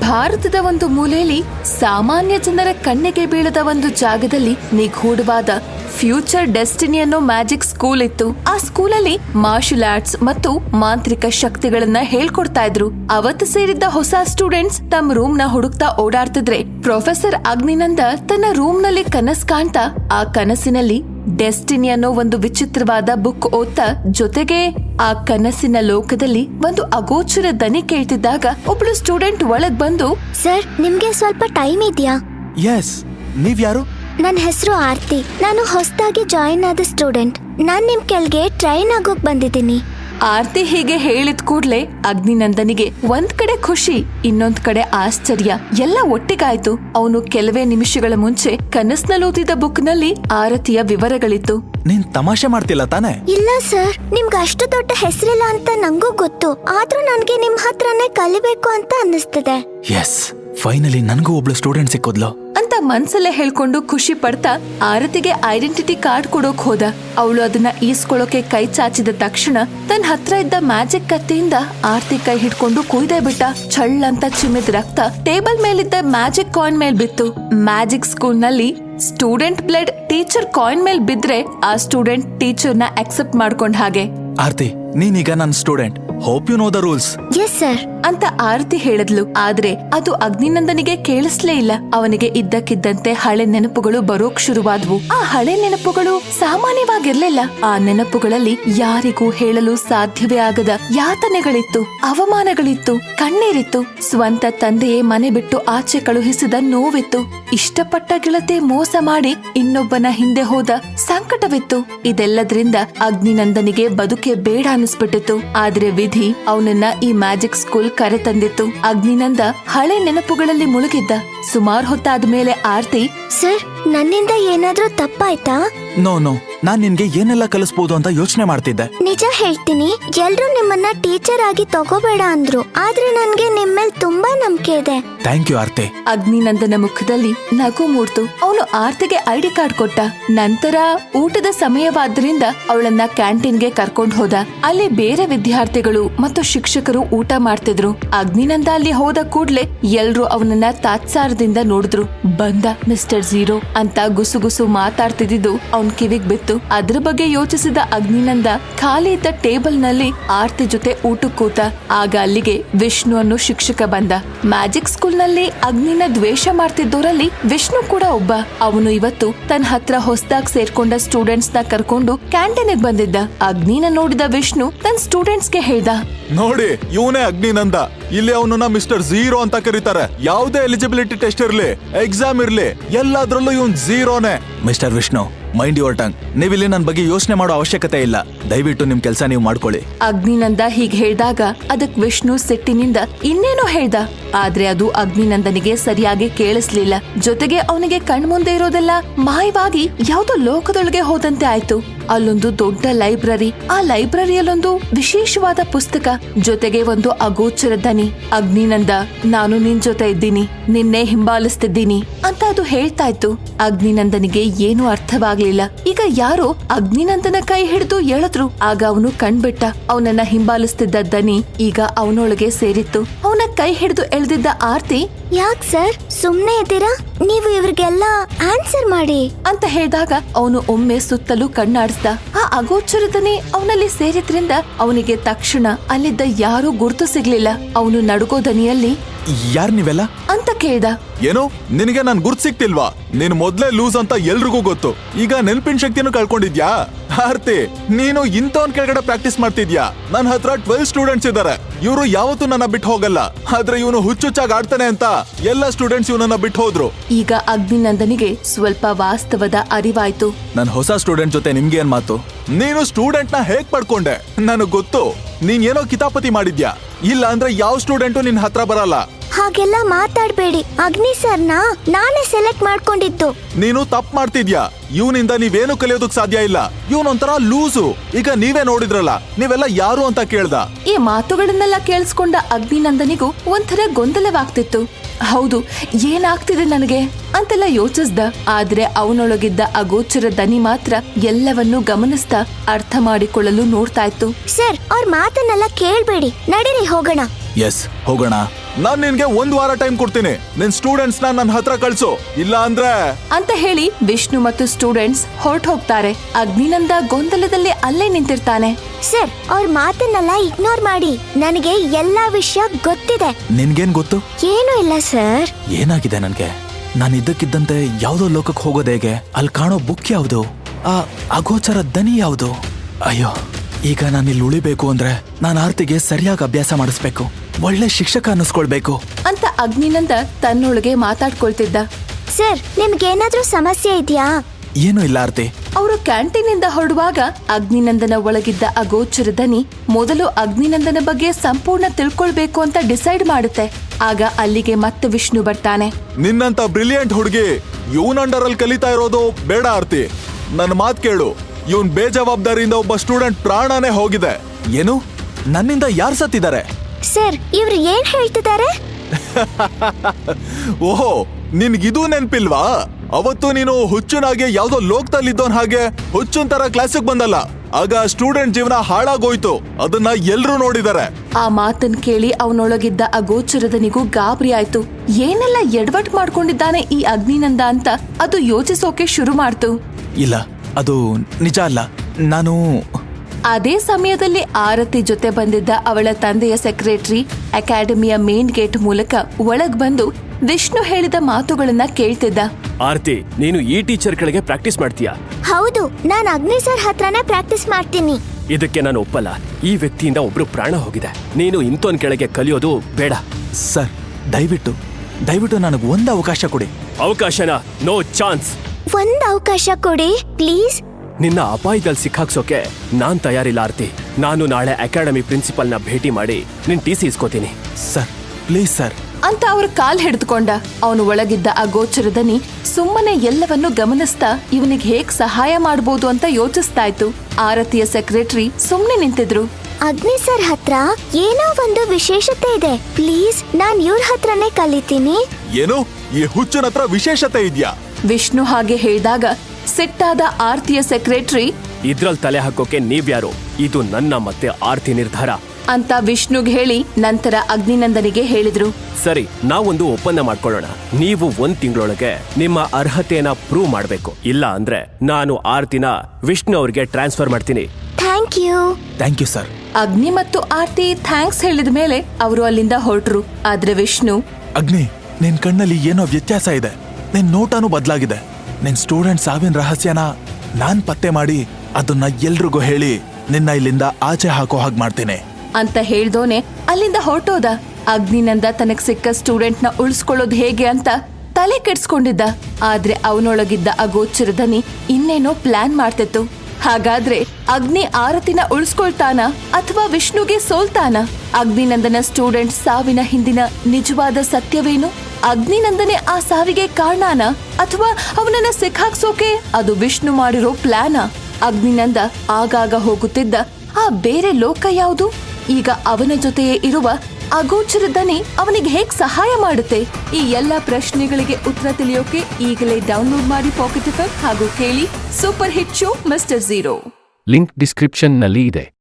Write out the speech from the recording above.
ಭಾರತದ ಒಂದು ಮೂಲೆಯಲ್ಲಿ ಸಾಮಾನ್ಯ ಜನರ ಕಣ್ಣಿಗೆ ಬೀಳದ ಒಂದು ಜಾಗದಲ್ಲಿ ನಿಗೂಢವಾದ ಫ್ಯೂಚರ್ ಡೆಸ್ಟಿನಿ ಅನ್ನೋ ಮ್ಯಾಜಿಕ್ ಸ್ಕೂಲ್ ಇತ್ತು. ಆ ಸ್ಕೂಲಲ್ಲಿ ಮಾರ್ಷಲ್ ಆರ್ಟ್ಸ್ ಮತ್ತು ಮಾಂತ್ರಿಕ ಶಕ್ತಿಗಳನ್ನ ಹೇಳ್ಕೊಡ್ತಾ ಇದ್ರು. ಅವತ್ತು ಸೇರಿದ್ದ ಹೊಸ ಸ್ಟೂಡೆಂಟ್ಸ್ ತಮ್ಮ ರೂಮ್ ನ ಹುಡುಕ್ತಾ ಓಡಾಡ್ತಿದ್ರೆ ಪ್ರೊಫೆಸರ್ ಅಗ್ನಿನಂದ ತನ್ನ ರೂಮ್ ನಲ್ಲಿ ಕನಸು ಕಾಣ್ತಾ ಆ ಕನಸಿನಲ್ಲಿ ಡೆಸ್ಟಿನಿ ಅನ್ನೋ ಒಂದು ವಿಚಿತ್ರವಾದ ಬುಕ್ ಓದ್ತಾ ಜೊತೆಗೆ ಆ ಕನಸಿನ ಲೋಕದಲ್ಲಿ ಒಂದು ಅಗೋಚರ ದನಿ ಕೇಳ್ತಿದ್ದಾಗ ಒಬ್ಳು ಸ್ಟೂಡೆಂಟ್ ಒಳಗ್ ಬಂದು, ಸರ್ ನಿಮ್ಗೆ ಸ್ವಲ್ಪ ಟೈಮ್ ಇದೆಯಾ? ಎಸ್, ನೀವ್ಯಾರು? ನನ್ನ ಹೆಸರು ಆರ್ತಿ. ನಾನು ಹೊಸದಾಗಿ ಜಾಯಿನ್ ಆದ ಸ್ಟೂಡೆಂಟ್. ನಾನ್ ನಿಮ್ ಕೆಳಗೆ ಟ್ರೈನ್ ಆಗೋಕ್ ಬಂದಿದ್ದೀನಿ. ಆರ್ತಿ ಹೀಗೆ ಹೇಳಿದ ಕೂಡ್ಲೆ ಅಗ್ನಿನಂದನಿಗೆ ಒಂದ್ ಕಡೆ ಖುಷಿ, ಇನ್ನೊಂದ್ ಕಡೆ ಆಶ್ಚರ್ಯ ಎಲ್ಲ ಒಟ್ಟಿಗಾಯ್ತು. ಅವನು ಕೆಲವೇ ನಿಮಿಷಗಳ ಮುಂಚೆ ಕನಸ್ನಲ್ಲಿ ಓದಿದ ಬುಕ್ ನಲ್ಲಿ ಆರತಿಯ ವಿವರಗಳಿತ್ತು. ನೀನ್ ತಮಾಷೆ ಮಾಡ್ತಿಲ್ಲ ತಾನೆ? ಇಲ್ಲ ಸರ್, ನಿಮ್ಗೆ ಅಷ್ಟು ದೊಡ್ಡ ಹೆಸರಿಲ್ಲ ಅಂತ ನಂಗೂ ಗೊತ್ತು. ಆದ್ರೂ ನನ್ಗೆ ನಿಮ್ ಹತ್ರನೇ ಕಲಿಬೇಕು ಅಂತ ಅನ್ನಿಸ್ತದೆ. ಎಸ್, ಫೈನಲಿ ನನ್ಗೂ ಒಬ್ಳು ಸ್ಟೂಡೆಂಟ್ ಸಿಕ್ಕೋದ್ಲು ಅಂತ ಮನ್ಸಲ್ಲೇ ಹೇಳ್ಕೊಂಡು ಖುಷಿ ಪಡ್ತಾ ಆರತಿಗೆ ಐಡೆಂಟಿಟಿ ಕಾರ್ಡ್ ಕೊಡೋಕ್ ಹೋದ. ಅವಳು ಅದನ್ನ ಈಸ್ಕೊಳ್ಳೋಕೆ ಕೈ ಚಾಚಿದ ತಕ್ಷಣ ತನ್ನ ಹತ್ರ ಇದ್ದ ಮ್ಯಾಜಿಕ್ ಕತ್ತಿಯಿಂದ ಆರತಿ ಕೈ ಹಿಡ್ಕೊಂಡು ಕುಯ್ದೇ ಬಿಟ್ಟ. ಛಳ್ ಅಂತ ಚಿಮ್ಮಿದ ರಕ್ತ ಟೇಬಲ್ ಮೇಲಿದ್ದ ಮ್ಯಾಜಿಕ್ ಕಾಯಿನ್ ಮೇಲ್ ಬಿತ್ತು. ಮ್ಯಾಜಿಕ್ ಸ್ಕೂಲ್ ನಲ್ಲಿ ಸ್ಟೂಡೆಂಟ್ ಬ್ಲಡ್ ಟೀಚರ್ ಕಾಯಿನ್ ಮೇಲ್ ಬಿದ್ರೆ ಆ ಸ್ಟೂಡೆಂಟ್ ಟೀಚರ್ ನ ಅಕ್ಸೆಪ್ಟ್ ಮಾಡ್ಕೊಂಡ್ ಹಾಗೆ. ಆರ್ತಿ, ನೀನೀಗ ನನ್ನ student. Hope you know the rules. Yes sir ಅಂತ ಆರತಿ ಹೇಳಿದ್ಲು. ಆದ್ರೆ ಅದು ಅಗ್ನಿನಂದನಿಗೆ ಕೇಳಿಸ್ಲೇ ಇಲ್ಲ. ಅವನಿಗೆ ಇದ್ದಕ್ಕಿದ್ದಂತೆ ಹಳೆ ನೆನಪುಗಳು ಬರೋಕ್ ಶುರುವಾದ್ವು. ಆ ಹಳೆ ನೆನಪುಗಳು ಸಾಮಾನ್ಯವಾಗಿರ್ಲಿಲ್ಲ. ಆ ನೆನಪುಗಳಲ್ಲಿ ಯಾರಿಗೂ ಹೇಳಲು ಸಾಧ್ಯವೇ ಆಗದ ಯಾತನೆಗಳಿತ್ತು, ಅವಮಾನಗಳಿತ್ತು, ಕಣ್ಣೀರಿತ್ತು. ಸ್ವಂತ ತಂದೆಯೇ ಮನೆ ಬಿಟ್ಟು ಆಚೆ ಕಳುಹಿಸಿದ ನೋವಿತ್ತು. ಇಷ್ಟಪಟ್ಟ ಗೆಳತಿ ಮೋಸ ಮಾಡಿ ಇನ್ನೊಬ್ಬನ ಹಿಂದೆ ಹೋದ ಸಂಕಟವಿತ್ತು. ಇದೆಲ್ಲದ್ರಿಂದ ಅಗ್ನಿನಂದನಿಗೆ ಬದುಕೆ ಬೇಡ ಅನಿಸ್ಬಿಟ್ಟಿತ್ತು. ಆದ್ರೆ ವಿಧಿ ಅವನನ್ನ ಈ ಮ್ಯಾಜಿಕ್ ಸ್ಕೂಲ್ ಕರೆ ತಂದಿತ್ತು. ಅಗ್ನಿನಂದ ಹಳೆ ನೆನಪುಗಳಲ್ಲಿ ಮುಳುಗಿದ್ದ. ಸುಮಾರು ಹೊತ್ತಾದ್ಮೇಲೆ ಆರ್ತಿ, ಸರ್ ನನ್ನಿಂದ ಏನಾದ್ರೂ ತಪ್ಪಾಯ್ತಾ? ನೋ, ನಾನ್ ನಿನ್ಗೆ ಏನೆಲ್ಲ ಕಲಿಸ್ಬೋದು ಅಂತ ಯೋಚನೆ ಮಾಡ್ತಿದ್ದೆ. ನಿಜ ಹೇಳ್ತೀನಿ, ಎಲ್ರೂ ನಿಮ್ಮನ್ನ ಟೀಚರ್ ಆಗಿ ತಗೋಬೇಡ ಅಂದ್ರು. ಆದ್ರೆ ನನ್ಗೆ ನಿಮ್ಮೇಲ್ ತುಂಬಾ ನಂಬಿಕೆ ಇದೆ. ಥ್ಯಾಂಕ್ ಯು ಆರ್ತಿ. ಅಗ್ನಿನಂದನ ಮುಖದಲ್ಲಿ ನಗು ಮೂಡ್ತು. ಅವನು ಆರ್ತಿಗೆ ಐಡಿ ಕಾರ್ಡ್ ಕೊಟ್ಟ. ನಂತರ ಊಟದ ಸಮಯವಾದ್ರಿಂದ ಅವಳನ್ನ ಕ್ಯಾಂಟೀನ್ಗೆ ಕರ್ಕೊಂಡ್ ಹೋದ. ಅಲ್ಲಿ ಬೇರೆ ವಿದ್ಯಾರ್ಥಿಗಳು ಮತ್ತು ಶಿಕ್ಷಕರು ಊಟ ಮಾಡ್ತಿದ್ರು. ಅಗ್ನಿನಂದ ಅಲ್ಲಿ ಹೋದ ಕೂಡ್ಲೆ ಎಲ್ರು ಅವನನ್ನ ತಾತ್ಸಾರದಿಂದ ನೋಡಿದ್ರು. ಬಂದ ಮಿಸ್ಟರ್ ಝೀರೋ ಅಂತ ಗುಸುಗುಸು ಮಾತಾಡ್ತಿದ್ದು ಅವನ್ ಕಿವಿಗ್ ಬಿತ್ತು. ಅದ್ರ ಬಗ್ಗೆ ಯೋಚಿಸಿದ ಅಗ್ನಿನಂದ ಖಾಲಿ ಇದ್ದ ಟೇಬಲ್ ನಲ್ಲಿ ಆರ್ತಿ ಜೊತೆ ಊಟಕ್ಕೆ ಕೂತ. ಆಗ ಅಲ್ಲಿಗೆ ವಿಷ್ಣು ಅನ್ನೋ ಶಿಕ್ಷಕ ಬಂದ. ಮ್ಯಾಜಿಕ್ ಸ್ಕೂಲ್ ನಲ್ಲಿ ಅಗ್ನಿನ ದ್ವೇಷ ಮಾಡ್ತಿದ್ದೋರಲ್ಲಿ ವಿಷ್ಣು ಕೂಡ ಒಬ್ಬ. ಅವನು ಇವತ್ತು ತನ್ನ ಹತ್ರ ಹೊಸದಾಗಿ ಸೇರ್ಕೊಂಡ ಸ್ಟೂಡೆಂಟ್ಸ್ ನ ಕರ್ಕೊಂಡು ಕ್ಯಾಂಟೀನ್ ಬಂದಿದ್ದ. ಅಗ್ನಿನ ನೋಡಿದ ವಿಷ್ಣು ತನ್ನ ಸ್ಟೂಡೆಂಟ್ಸ್ ಗೆ ಹೇಳ್ದ, ನೋಡಿ, ಇವನೇ ಅಗ್ನಿನಂದ. ಇಲ್ಲಿ ಅವನನ್ನ ಮಿಸ್ಟರ್ ಝೀರೋ ಅಂತ ಕರೀತಾರೆ. ಯಾವುದೇ ಎಲಿಜಿಬಿಲಿಟಿ ಟೆಸ್ಟ್ ಇರ್ಲಿ, ಎಕ್ಸಾಮ್ ಇರ್ಲಿ, ಎಲ್ಲಾದ್ರಲ್ಲೂ ಇವನ್ ಝೀರೋನೇ. Mister Vishnu, mind your tongue. ನೀವಿಲ್ಲಿ ನನ್ ಬಗ್ಗೆ ಯೋಚನೆ ಮಾಡೋ ಅವಶ್ಯಕತೆ ಇಲ್ಲ. ದಯವಿಟ್ಟು ನಿಮ್ ಕೆಲಸ ನೀವು ಮಾಡ್ಕೊಳ್ಳಿ. ಅಗ್ನಿನಂದ ಹೀಗ್ ಹೇಳ್ದಾಗ ಅದಕ್ ವಿಷ್ಣು ಸಿಟ್ಟಿನಿಂದ ಇನ್ನೇನೋ ಹೇಳ್ದ. ಆದ್ರೆ ಅದು ಅಗ್ನಿನಂದನಿಗೆ ಸರಿಯಾಗಿ ಕೇಳಿಸ್ಲಿಲ್ಲ. ಜೊತೆಗೆ ಅವನಿಗೆ ಕಣ್ಮುಂದೆ ಇರೋದೆಲ್ಲ ಮಾಯವಾಗಿ ಯಾವ್ದೋ ಲೋಕದೊಳಗೆ ಹೋದಂತೆ ಆಯ್ತು. ಅಲ್ಲೊಂದು ದೊಡ್ಡ ಲೈಬ್ರರಿ. ಆ ಲೈಬ್ರರಿಯಲ್ಲೊಂದು ವಿಶೇಷವಾದ ಪುಸ್ತಕ, ಜೊತೆಗೆ ಒಂದು ಅಗೋಚರ ದನಿ. ಅಗ್ನಿನಂದ, ನಾನು ನಿನ್ ಜೊತೆ ಇದ್ದೀನಿ, ನಿನ್ನೆ ಹಿಂಬಾಲಿಸ್ತಿದ್ದೀನಿ ಅಂತ ಅದು ಹೇಳ್ತಾ ಇತ್ತು. ಅಗ್ನಿನಂದನಿಗೆ ಏನು ಅರ್ಥವಾಗ್ಲಿಲ್ಲ. ಈಗ ಯಾರೋ ಅಗ್ನಿನಂದನ ಕೈ ಹಿಡಿದು ಎಳೆದ್ರು. ಆಗ ಅವನು ಕಣ್ಬಿಟ್ಟ. ಅವನನ್ನ ಹಿಂಬಾಲಿಸ್ತಿದ್ದ ದನಿ ಈಗ ಅವನೊಳಗೆ ಸೇರಿತ್ತು. ಅವನ ಕೈ ಹಿಡಿದು ಎಳೆದಿದ್ದ ಆರ್ತಿ, ಯಾಕ್ ಸರ್ ಸುಮ್ನೆ ಇದ್ದೀರಾ? ನೀವು ಇವ್ರಿಗೆಲ್ಲ ಆನ್ಸರ್ ಮಾಡಿ ಅಂತ ಹೇಳಿದಾಗ ಅವನು ಒಮ್ಮೆ ಸುತ್ತಲೂ ಕಣ್ಣಾಡಿಸ್ದ. ಆ ಅಗೋಚರದನೆ ಅವನಲ್ಲಿ ಸೇರಿದ್ರಿಂದ ಅವನಿಗೆ ತಕ್ಷಣ ಅಲ್ಲಿದ್ದ ಯಾರೂ ಗುರ್ತು ಸಿಗ್ಲಿಲ್ಲ. ಅವನು ನಡುಗೋ ದನಿಯಲ್ಲಿ, ಯಾರ್ ನೀವೆಲ್ಲ ಅಂತ ಕೇಳ್ದ. ಏನು, ನಿನಗೆ ನನ್ ಗುರ್ತ್ ಸಿಕ್ತಿಲ್ವಾ? ನೀನ್ ಮೊದ್ಲೇ ಲೂಸ್ ಅಂತ ಎಲ್ರಿಗೂ ಗೊತ್ತು. ಈಗ ನೆನ್ಪಿನ ಶಕ್ತಿನೂ ಕಳ್ಕೊಂಡಿದ್ಯಾ? ಆರ್ತಿ, ನೀನು ಇಂಥವನ್ ಕೆಳಗಡೆ ಪ್ರಾಕ್ಟೀಸ್ ಮಾಡ್ತಿದ್ಯಾ? ನನ್ ಹತ್ರ 12 ಸ್ಟೂಡೆಂಟ್ಸ್ ಇದಾರೆ. ಇವರು ಯಾವತ್ತೂ ನನ್ನ ಬಿಟ್ಟು ಹೋಗಲ್ಲ. ಆದ್ರೆ ಇವನು ಹುಚ್ಚುಚ್ಚಾಗಿ ಆಡ್ತಾನೆ ಅಂತ ಎಲ್ಲ ಸ್ಟೂಡೆಂಟ್ಸ್ ಇವನನ್ನ ಬಿಟ್ಟು ಹೋದ್ರು. ಈಗ ಅಗ್ನಿನಂದನಿಗೆ ಸ್ವಲ್ಪ ವಾಸ್ತವದ ಅರಿವಾಯ್ತು. ನನ್ ಹೊಸ ಸ್ಟೂಡೆಂಟ್ ಜೊತೆ ನಿಮ್ಗೆ ಏನ್ ಮಾತು? ನೀನು ಸ್ಟೂಡೆಂಟ್ ನ ಹೇಗ್ ಪಡ್ಕೊಂಡೆ? ನನಗ್ ಗೊತ್ತು, ನೀನ್ ಏನೋ ಕಿತಾಪತಿ ಮಾಡಿದ್ಯಾ. ಇಲ್ಲ ಅಂದ್ರೆ ಯಾವ ಸ್ಟೂಡೆಂಟು ನಿನ್ ಹತ್ರ ಬರಲ್ಲ. ಹಾಗೆಲ್ಲ ಮಾತಾಡ್ಬೇಡಿ. ಅಗ್ನಿ ಸರ್ನ ನಾನೇ ಸೆಲೆಕ್ಟ್ ಮಾಡ್ಕೊಂಡಿದ್ದು. ನೀನು ತಪ್ಪು ಮಾಡ್ತಿದ್ಯಾ. ಇವನಿಂದ ನೀವೇನು ಕಲಿಯೋದಕ್ ಸಾಧ್ಯ ಇಲ್ಲ. ಇವನೊಂಥರ ಲೂಸು. ಈಗ ನೀವೇ ನೋಡಿದ್ರಲ್ಲ, ನೀವೆಲ್ಲ ಯಾರು ಅಂತ ಕೇಳ್ದ. ಈ ಮಾತುಗಳನ್ನೆಲ್ಲ ಕೇಳಿಸ್ಕೊಂಡ ಅಗ್ನಿನಂದನಿಗೂ ಒಂಥರ ಗೊಂದಲವಾಗ್ತಿತ್ತು. ಹೌದು, ಏನಾಗ್ತಿದೆ ನನಗೆ ಅಂತೆಲ್ಲ ಯೋಚಿಸ್ದ. ಆದ್ರೆ ಅವನೊಳಗಿದ್ದ ಅಗೋಚರ ದನಿ ಮಾತ್ರ ಎಲ್ಲವನ್ನೂ ಗಮನಿಸ್ತಾ ಅರ್ಥ ಮಾಡಿಕೊಳ್ಳಲು ನೋಡ್ತಾ ಇತ್ತು. ಸರ್, ಅವ್ರ ಮಾತನ್ನೆಲ್ಲ ಕೇಳ್ಬೇಡಿ, ನಡೀರಿ ಹೋಗೋಣ. ಎಸ್, ಹೋಗೋಣ. ನಾನ್ ನಿನ್ಗೆ 1 ವಾರ ಟೈಮ್ ಕೊಡ್ತೀನಿ. ನಿನ್ ಸ್ಟೂಡೆಂಟ್ಸ್ ನನ್ನ ಹತ್ರ ಕಳ್ಸು, ಇಲ್ಲ ಅಂದ್ರೆ ಅಂತ ಹೇಳಿ ವಿಷ್ಣು ಮತ್ತು ಸ್ಟೂಡೆಂಟ್ಸ್ ಹೊರಟು ಹೋಗ್ತಾರೆ. ಅಗ್ನಿನಂದ ಗೊಂದಲದಲ್ಲಿ ಅಲ್ಲೇ ನಿಂತಿರ್ತಾನೆ. ಸರ್, ಅವ್ರ ಮಾತನ್ನೆಲ್ಲ ಇಗ್ನೋರ್ ಮಾಡಿ. ನನಗೆ ಎಲ್ಲಾ ವಿಷಯ ಗೊತ್ತಿದೆ. ನಿನ್ಗೇನ್ ಗೊತ್ತು? ಏನೂ ಇಲ್ಲ ಸರ್. ಏನಾಗಿದೆ ನನ್ಗೆ? ನಾನು ಇದ್ದಕ್ಕಿದ್ದಂತೆ ಯಾವ್ದೋ ಲೋಕಕ್ಕೆ ಹೋಗೋದು ಹೇಗೆ? ಅಲ್ಲಿ ಕಾಣೋ ಬುಕ್ ಯಾವ್ದು? ಆ ಅಗೋಚರ ದನಿ ಯಾವ್ದು? ಅಯ್ಯೋ, ಈಗ ನಾನು ಇಲ್ಲಿ ಉಳಿಬೇಕು ಅಂದ್ರೆ ನಾನು ಆರ್ತಿಗೆ ಸರಿಯಾಗಿ ಅಭ್ಯಾಸ ಮಾಡಿಸ್ಬೇಕು, ಒಳ್ಳೆ ಶಿಕ್ಷಕ ಅನ್ನಿಸ್ಕೊಳ್ಬೇಕು ಅಂತ ಅಗ್ನಿನಂದ ತನ್ನೊಳಗೆ ಮಾತಾಡ್ಕೊಳ್ತಿದ್ದ. ಸರ್, ನಿಮ್ಗೇನಾದ್ರೂ ಸಮಸ್ಯೆ ಇದೆಯಾ? ಏನೂ ಇಲ್ಲ ಆರ್ತಿ. ಅವರು ಕ್ಯಾಂಟೀನಿಂದ ಹೊರಡುವಾಗ ಅಗ್ನಿನಂದನ ಒಳಗಿದ್ದ ಅಗೋಚರ ದನಿ ಮೊದಲು ಅಗ್ನಿನಂದನ ಬಗ್ಗೆ ಸಂಪೂರ್ಣ ತಿಳ್ಕೊಳ್ಬೇಕು ಅಂತ ಡಿಸೈಡ್ ಮಾಡುತ್ತೆ. ಆಗ ಅಲ್ಲಿಗೆ ಮತ್ತೆ ವಿಷ್ಣು ಬರ್ತಾನೆ. ನಿನ್ನಂತ ಬ್ರಿಲಿಯಂಟ್ ಹುಡುಗಿ ಇವನ್ ಅಂಡರ್ ಅಲ್ಲಿ ಕಲಿತಾ ಇರೋದು ಬೇಡ ಆರ್ತಿ. ನನ್ನ ಮಾತ್ ಕೇಳು, ಇವನ್ ಬೇಜವಾಬ್ದಾರಿಯಿಂದ ಒಬ್ಬ ಸ್ಟೂಡೆಂಟ್ ಪ್ರಾಣನೇ ಹೋಗಿದೆ. ಏನು? ನನ್ನಿಂದ ಯಾರು ಸತ್ತಿದ್ದಾರೆ? ಸರ್, ಇವ್ರು ಏನ್ ಹೇಳ್ತಿದ್ದಾರೆ? ಓಹೋ, ನಿನ್ಗಿದು ನೆನ್ಪಿಲ್ವಾ? ಅವತ್ತು ನೀನು ಹುಚ್ಚುನಾಗೆ ಯಾವ್ದೋ ಲೋಕದಲ್ಲಿದ್ದೋನ್ ಹಾಗೆ ಹುಚ್ಚುನ್ ತರ ಕ್ಲಾಸಿಗೆ ಬಂದಲ್ಲ, ಆಗ ಸ್ಟೂಡೆಂಟ್ ಜೀವನ ಹಾಳಾಗೋಯ್ತು. ಅದನ್ನ ಎಲ್ರೂ ನೋಡಿದ್ದಾರೆ. ಆ ಮಾತನ್ ಕೇಳಿ ಅವನೊಳಗಿದ್ದ ಅಗೋಚರದನಿಗೂ ಗಾಬರಿ ಆಯ್ತು. ಏನೆಲ್ಲ ಎಡವಟ್ ಮಾಡ್ಕೊಂಡಿದ್ದಾನೆ ಈ ಅಗ್ನಿನಂದ ಅಂತ ಅದು ಯೋಚಿಸೋಕೆ ಶುರು ಮಾಡ್ತು. ಇಲ್ಲ, ಅದು ನಿಜ ಅಲ್ಲ. ನಾನು ಅದೇ ಸಮಯದಲ್ಲಿ ಆರತಿ ಜೊತೆ ಬಂದಿದ್ದ ಅವಳ ತಂದೆಯ ಸೆಕ್ರೆಟರಿ ಅಕಾಡೆಮಿಯ ಮೇನ್ ಗೇಟ್ ಮೂಲಕ ಒಳಗ್ ಬಂದು ವಿಷ್ಣು ಹೇಳಿದ ಮಾತುಗಳನ್ನ ಕೇಳ್ತಿದ್ದ. ಆರ್ತಿ, ನೀನು ಈ ಟೀಚರ್ ಕೆಳಗೆ ಪ್ರಾಕ್ಟೀಸ್ ಮಾಡ್ತೀಯಾ? ಹೌದು, ನಾನ್ ಅಗ್ನಿ ಸರ್ ಹತ್ರನೇ ಪ್ರಾಕ್ಟೀಸ್ ಮಾಡ್ತೀನಿ. ಇದಕ್ಕೆ ನಾನು ಒಪ್ಪಲ್ಲ. ಈ ವ್ಯಕ್ತಿಯಿಂದ ಒಬ್ರು ಪ್ರಾಣ ಹೋಗಿದೆ. ನೀನು ಇಂಥೋನ್ ಕೆಳಗೆ ಕಲಿಯೋದು ಬೇಡ. ಸರ್, ದಯವಿಟ್ಟು ನನಗೆ ಒಂದು ಅವಕಾಶ ಕೊಡಿ. ಅವಕಾಶನ? No chance. ಒಂದ್ ಅವಕಾಶ ಕೊಡಿ ಪ್ಲೀಸ್. ನಿನ್ನ ಅಪಾಯದಲ್ಲಿ ಸಿಕ್ಕಾಕ್ಸೋಕೆ ನಾನ್ ತಯಾರಿಲ್ಲ ಆರ್ತಿ. ನಾನು ನಾಳೆ ಅಕಾಡೆಮಿ ಪ್ರಿನ್ಸಿಪಲ್ನ ಭೇಟಿ ಮಾಡಿ ನಿನ್ TC ಇಸ್ಕೋತೀನಿ. ಸರ್, ಪ್ಲೀಸ್ ಸರ್ ಅಂತ ಅವ್ರ ಕಾಲ್ ಹಿಡಿದುಕೊಂಡ. ಅವನು ಒಳಗಿದ್ದ ಅಗೋಚರದನಿ ಸುಮ್ಮನೆ ಎಲ್ಲವನ್ನೂ ಗಮನಿಸ್ತಾ ಇವನಿಗೆ ಹೇಗ್ ಸಹಾಯ ಮಾಡ್ಬೋದು ಅಂತ ಯೋಚಿಸ್ತಾ ಇತ್ತು. ಆರತಿಯ ಸೆಕ್ರೆಟರಿ ಸುಮ್ನೆ ನಿಂತಿದ್ರು. ಅಗ್ನಿ ಸರ್ ಹತ್ರ ಏನೋ ಒಂದು ವಿಶೇಷತೆ ಇದೆ. ಪ್ಲೀಸ್, ನಾನ್ ಇವ್ರ ಹತ್ರನೇ ಕಲಿತೀನಿ. ಏನು, ಈ ಹುಚ್ಚನ ಹತ್ರ ವಿಶೇಷತೆ ಇದ್ಯಾ? ವಿಷ್ಣು ಹಾಗೆ ಹೇಳಿದಾಗ ಸಿಟ್ಟಾದ ಆರ್ತಿಯ ಸೆಕ್ರೆಟರಿ, ಇದ್ರಲ್ಲಿ ತಲೆ ಹಾಕೋಕೆ ನೀವ್ಯಾರು? ಇದು ನನ್ನ ಮತ್ತೆ ಆರ್ತಿ ನಿರ್ಧಾರ ಅಂತ ವಿಷ್ಣುಗ್ ಹೇಳಿ ನಂತರ ಅಗ್ನಿನಂದನಿಗೆ ಹೇಳಿದ್ರು. ಸರಿ, ನಾವೊಂದು ಒಪ್ಪಂದ ಮಾಡ್ಕೊಳ್ಳೋಣ. ನೀವು 1 ತಿಂಗಳೊಳಗೆ ನಿಮ್ಮ ಅರ್ಹತೆಯನ್ನ ಪ್ರೂವ್ ಮಾಡ್ಬೇಕು. ಇಲ್ಲ ಅಂದ್ರೆ ನಾನು ಆರ್ತಿನ ವಿಷ್ಣು ಅವ್ರಿಗೆ ಟ್ರಾನ್ಸ್ಫರ್ ಮಾಡ್ತೀನಿ. Thank you sir. ಅಗ್ನಿ ಮತ್ತು ಆರ್ತಿ ಥ್ಯಾಂಕ್ಸ್ ಹೇಳಿದ ಮೇಲೆ ಅವರು ಅಲ್ಲಿಂದ ಹೊರಟ್ರು. ಆದ್ರೆ ವಿಷ್ಣು, ಅಗ್ನಿ, ನಿನ್ ಕಣ್ಣಲ್ಲಿ ಏನೋ ವ್ಯತ್ಯಾಸ ಇದೆ. ನಿನ್ ನೋಟನೂ ಬದಲಾಗಿದೆ. ನಿನ್ ಸ್ಟೂಡೆಂಟ್ ಸಾವಿನ ರಹಸ್ಯನ ನಾನ್ ಪತ್ತೆ ಮಾಡಿ ಅದನ್ನ ಎಲ್ರಿಗೂ ಹೇಳಿ ನಿನ್ನ ಇಲ್ಲಿಂದ ಆಚೆ ಹಾಕೋ ಹಾಗೆ ಮಾಡ್ತೇನೆ ಅಂತ ಹೇಳ್ದೋನೆ ಅಲ್ಲಿಂದ ಹೊರಟೋದ. ಅಗ್ನಿನಂದ ತನಗ್ ಸಿಕ್ಕ ಸ್ಟೂಡೆಂಟ್ ನ ಉಳಿಸ್ಕೊಳ್ಳೋದು ಹೇಗೆ ಅಂತ ತಲೆ ಕೆಡ್ಸ್ಕೊಂಡಿದ್ದ. ಆದ್ರೆ ಅವನೊಳಗಿದ್ದ ಅಗೋಚರದನಿ ಇನ್ನೇನೋ ಪ್ಲಾನ್ ಮಾಡ್ತಿತ್ತು. ಹಾಗಾದ್ರೆ ಅಗ್ನಿ ಆರತಿನ ಉಳಿಸ್ಕೊಳ್ತಾನ ಅಥವಾ ವಿಷ್ಣುಗೆ ಸೋಲ್ತಾನ? ಅಗ್ನಿನಂದನ ಸ್ಟೂಡೆಂಟ್ ಸಾವಿನ ಹಿಂದಿನ ನಿಜವಾದ ಸತ್ಯವೇನು? ಅಗ್ನಿನಂದನೆ ಆ ಸಾವಿಗೆ ಕಾರಣನ ಅಥವಾ ಅವನನ್ನ ಸಿಕ್ಕಾಕ್ಸೋಕೆ ಅದು ವಿಷ್ಣು ಮಾಡಿರೋ ಪ್ಲಾನ? ಅಗ್ನಿನಂದ ಆಗಾಗ ಹೋಗುತ್ತಿದ್ದ ಆ ಬೇರೆ ಲೋಕ ಯಾವುದು? ಈಗ ಅವನ ಜೊತೆಯೇ ಇರುವ ಅಗೋಚರ ದನಿ ಅವನಿಗೆ ಹೇಗ್ ಸಹಾಯ ಮಾಡುತ್ತೆ? ಈ ಎಲ್ಲಾ ಪ್ರಶ್ನೆಗಳಿಗೆ ಉತ್ತರ ತಿಳಿಯೋಕೆ ಈಗಲೇ ಡೌನ್ಲೋಡ್ ಮಾಡಿ ಪಾಕೆಟ್ ಎಫ್ಎಂ ಹಾಗೂ ಕೇಳಿ super hit show mister zero. Link ಡಿಸ್ಕ್ರಿಪ್ಷನ್ನಲ್ಲಿ ಇದೆ.